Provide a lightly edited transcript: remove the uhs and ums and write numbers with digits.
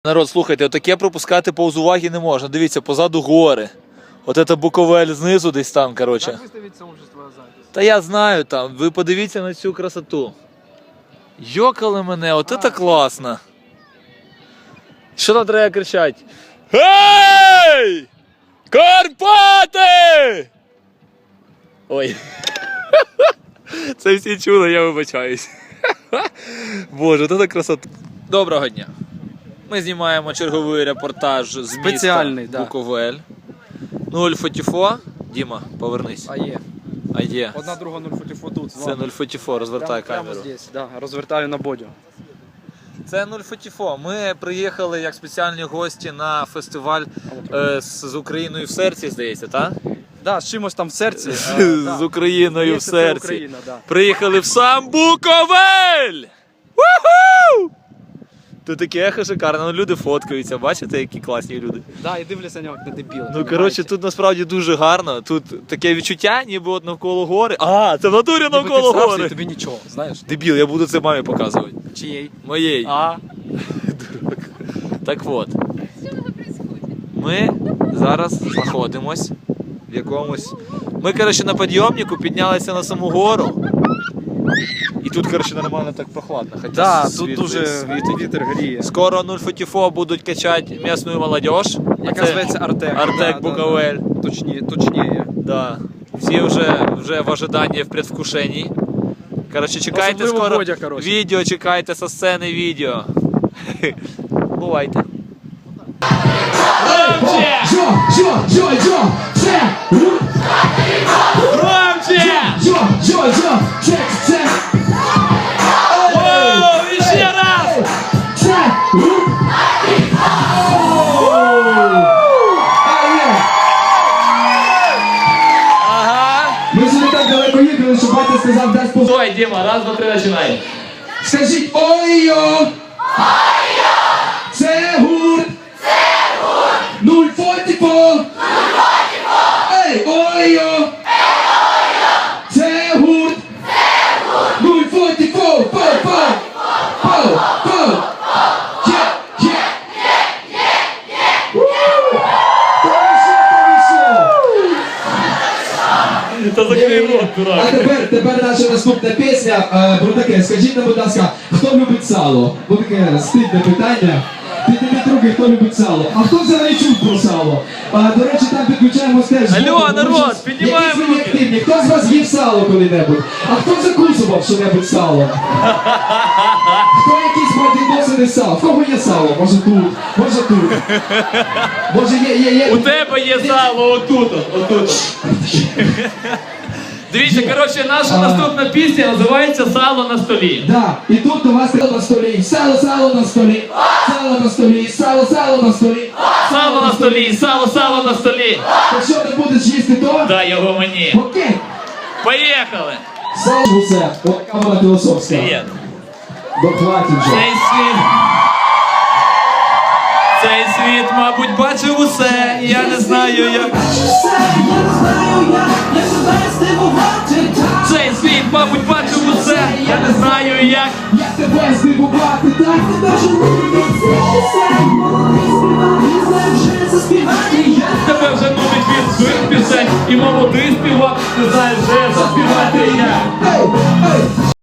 Народ, слухайте, отаке пропускати повз уваги не можна. Дивіться, позаду гори. От це Буковель знизу десь там, коротше. Как выставить сообщество Азатис? Та я знаю там, ви подивіться на цю красоту. Йокали мене, от це класно. Що там треба кричати? Гей! Карпати! Ой. Це всі чули, я вибачаюсь. Боже, от це красота. Доброго дня. Ми знімаємо черговий репортаж з Спеціальний, міста да. Буковель. 0 фотіфо. Діма, повернись. А є. Одна, друга, 0 фотіфо тут. Це 0 фотіфо, розвертай камеру. Прямо здесь, да, розвертаю на бодю. Це 0 фотіфо. Ми приїхали як спеціальні гості на фестиваль з Україною в серці, здається, так? Да, з чимось там в серці. З Україною в серці. Україна, да. Приїхали в сам Буковель! Уху! Тут таке ехо шикарне, ну люди фоткаються, бачите, які класні люди. Да, і дивляться на нього, як на дебіли. Ну, коротше, тут насправді дуже гарно. Тут таке відчуття, ніби от навколо гори. А, це в натурі навколо гори. Тобі нічого, знаєш? Дебіл, я буду це мамі показувати. Чиєй? Моєї. А? Дурак. Так от. Ми зараз знаходимось в якомусь... Ми, коротше, на підйомнику піднялися на саму гору. І тут, коротше, нормально так прохладно. Хоча Да, тут світ дуже світить. вітер гріє. Скоро 0 фотіфо будуть качати місцеву молодіж. Яка зветься Артек. Артек Буковель. Точніше. Да. Всі вже в ожиданні, в предвкушенні. Коротше, чекайте Особливо скоро Бодя, коротше. відео, чекайте со сцени відео. Бувайте. Громче! Громче! Воу, іще раз! Ага. Ми сюди так далеко їхали, що батя сказав, дасть по... Стой, Діма, раз, два, три, починай. Скажіть ой-йо! Ой-йо! Це гурт! Це гурт! 0 фотіфо! 0 фотіфо! Ей, ой-йо! Ей, ой-йо! Це гурт! Це гурт! 0 фотіфо! По! Та закрий рот, А дурак. тепер наша наступна пісня про таке. Скажіть нам, будь ласка, хто любить сало? Бо таке стидне питання. Підніміть руки, хто любить сало. А хто взагалі чув про сало? До речі, там підключаємось теж. Алло, народ, піднімаємо Які руки. активні. Хто з вас їв сало коли-небудь? А хто закусував що-небудь сало? Хто якісь має досвіди сало? В кого є сало? Може тут, може тут. Може є. У тебе є сало отут. Дивіться, коротше, наша наступна пісня називається «Сало на столі». Да, і тут у вас сало на столі, сало на столі, сало на столі, сало на столі. Сало на столі, сало на столі. То що ти будеш їсти то? Дай його мені. Окей. Поїхали. Сало усе. Отака вона філософська. Привіт. Дохватить вже. Цей світ, мабуть, бачив усе. Я не знаю, як. Цей світ, мабуть, бачив усе. Я не знаю, як. Як тебе здивувати, так? Тебе вже нудить від своїх пісень. І молодий співак, ти знаєш, вже заспівати як. Ей, ей.